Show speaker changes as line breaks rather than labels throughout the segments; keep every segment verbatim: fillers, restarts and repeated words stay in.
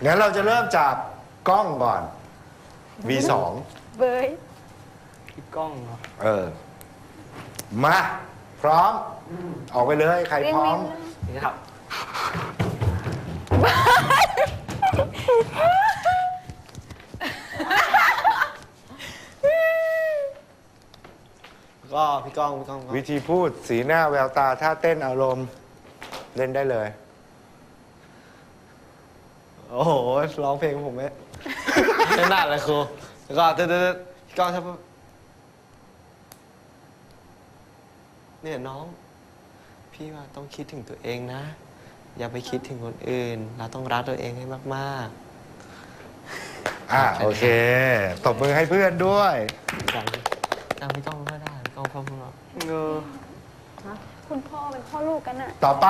งั้นเราจะเริ่มจากกล้องก่อน วี สอง
เบย
พี่ก้องเหรอ
เออ มา พร้อม ออกไปเลย ใครพร้อม
นี่ครับก็พี่ก้องพี่ก้องพี่ก้อง
วิธีพูดสีหน้าแววตาท่าเต้นอารมณ์เล่นได้เลย
โอ้โหร้องเพลงผมไหมไม่น่าเลยครูแล้วก็เต้นๆพี่ก้องชอบเนี่ยน้อง พี่ว่าต้องคิดถึงตัวเองนะ อย่าไปคิดถึงคนอื่น เราต้องรักตัวเองให้มากๆ
อ่ะโอเคตบมือให้เพื่อนด้วย
จังจังพี่ก้องก็ได้พี่ก้องพ่อพูดว่าเออ
คุณพ่อเป็นพ่อลูกกันอะ
ต่อไป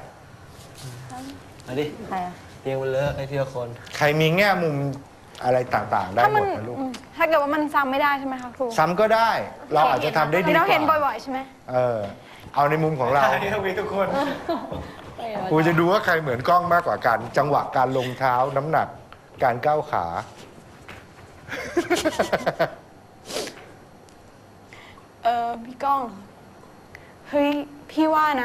มาดิ
ใครอะ
เรียงมันเลอะไอ้ทีละคน
ใครมีแง่มุมอะไรต่างๆ ได้
ถ้า
หม
มัน
ดนะลูก
อืมถ้าเกิดว่ามันซ้ำไม่ได้ใช่ไหมคะครู
ซ้ำก็ได้ เราอาจจะทำได้ดี
เรา
ก
เห็น
ว่า
บ่อยๆใช่ไหม
เออ เอาในมุมของเรา
ต้องมีทุกคน
ครูจะดูว่าใครเหมือนกล้องมากกว่ากัน จังหวะการลงเท้าน้ำหนัก การก้าวขา
เออพี่ก้องเหรอเฮ้ยพี่ว่านะ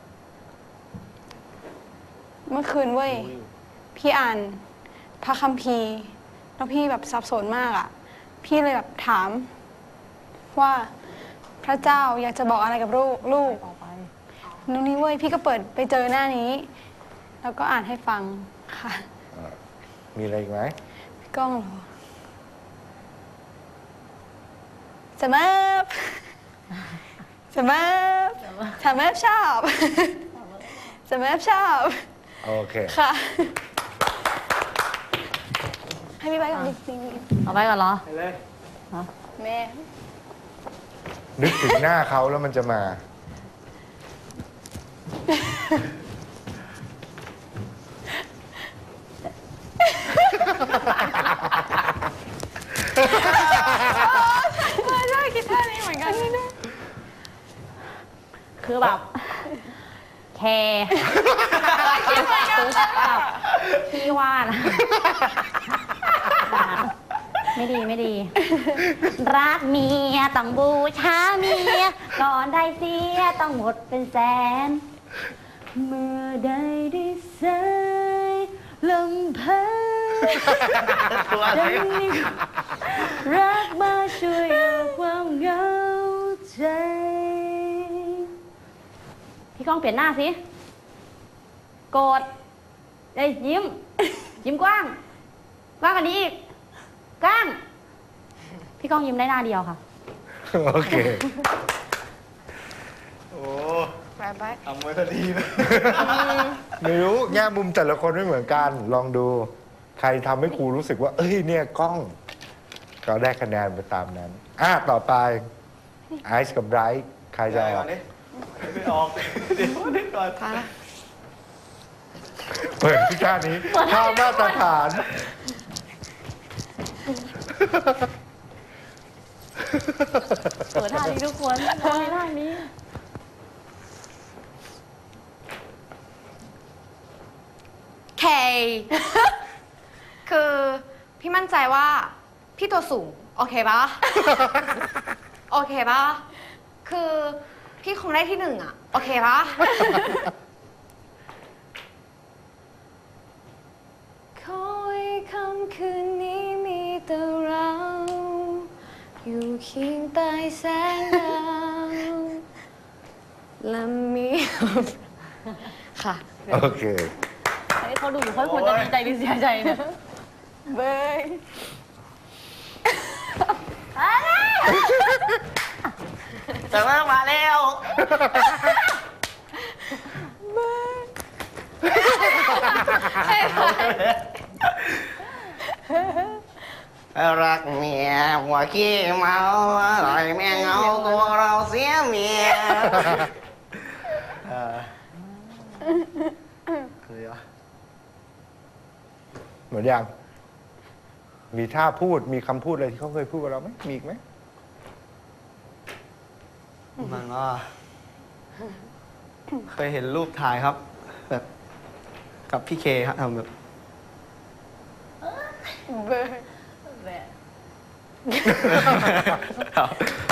เมื่อคืนเว้ยพี่อ่านพระคัมภีร์แล้วพี่แบบสับสนมากอะพี่เลยแบบถาม ว่าพระเจ้าอยากจะบอกอะไรกับลูกลูกนู่นนี่เว้ยพี่ก็เปิดไปเจอหน้านี้ แล้วก็อ่านให้ฟังค่ะ
มีอะไรอีกไหม
พี่ก้องเหรอสมับสมับสมับชอบสมับชอบ
โอเค
ค่ะ ให้พี่ไปก่อนดิ
เอาไปก่อนเหรอ
ไปเลย
แม่
นึกถึงหน้าเขาแล้วมันจะมา
ใช่คิดท่านี้เหมือนกัน
คือแบบแคร์แบบพี่ว่านะไม่ดีไม่ดี รักเมียต้องบูชาเมียก่อนได้เสียต้องหมดเป็นแสน เมื่อใดได้ใส่ลำพังดังนี้รักมาช่วยเอาความเหงาใจ พี่ก้องเปลี่ยนหน้าสิโกรธเอ้ยยิ้ม ยิ้มกว้าง กว้างกว่านี้อีกกว้าง พี่ก้องยิ้มได้หน้าเดียวค่ะ
โอเค
โอ้
ไปไป
ทำไว้ก็ดีนะ
ไม่รู้แง่มุมแต่ละคนไม่เหมือนกัน ลองดู ใครทำให้ครูรู้สึกว่า เอ้ยเนี่ยกล้อง ก็ได้คะแนนไปตามนั้น อ่ะ ต่อไปไอซ์กับไบรท์ใครจะอ
ก่
อ
อก นดิไม่ออก เดี๋ยวนิดก่อน
เปิดที่ท่านี้ท่ามาตรฐาน
เปิดท่านี้ทุกคนท่านี้ท่านี้
เค คือพี่มั่นใจว่าพี่ตัวสูง โอเคปะ โอเคปะคือพี่คงได้ที่หนึ่งอะโอเคปะ ขอให้ค่ำคืนนี้มีแต่เรา อยู่เคียงใต้แสงดาวและมี ค่ะ
โอเค
อันนี้เขาดูอยู่เขาควรจะดีใจหรือเสียใจเนี่ย
เบย
แต่ว่ามาแล้ว รักเมียหัวขี้เมาอร่อยแม่เงาตัวเราเสียเมียเออคือวะ
เหมือนยัง มีท่าพูด มีคำพูดอะไรที่เขาเคยพูดกับเราไหมมีอีกไหม
มันก็เคยเห็นรูปถ่ายครับ แบบกับพี่เคครับทำแบบ
เบอร์
แบบ
ครับ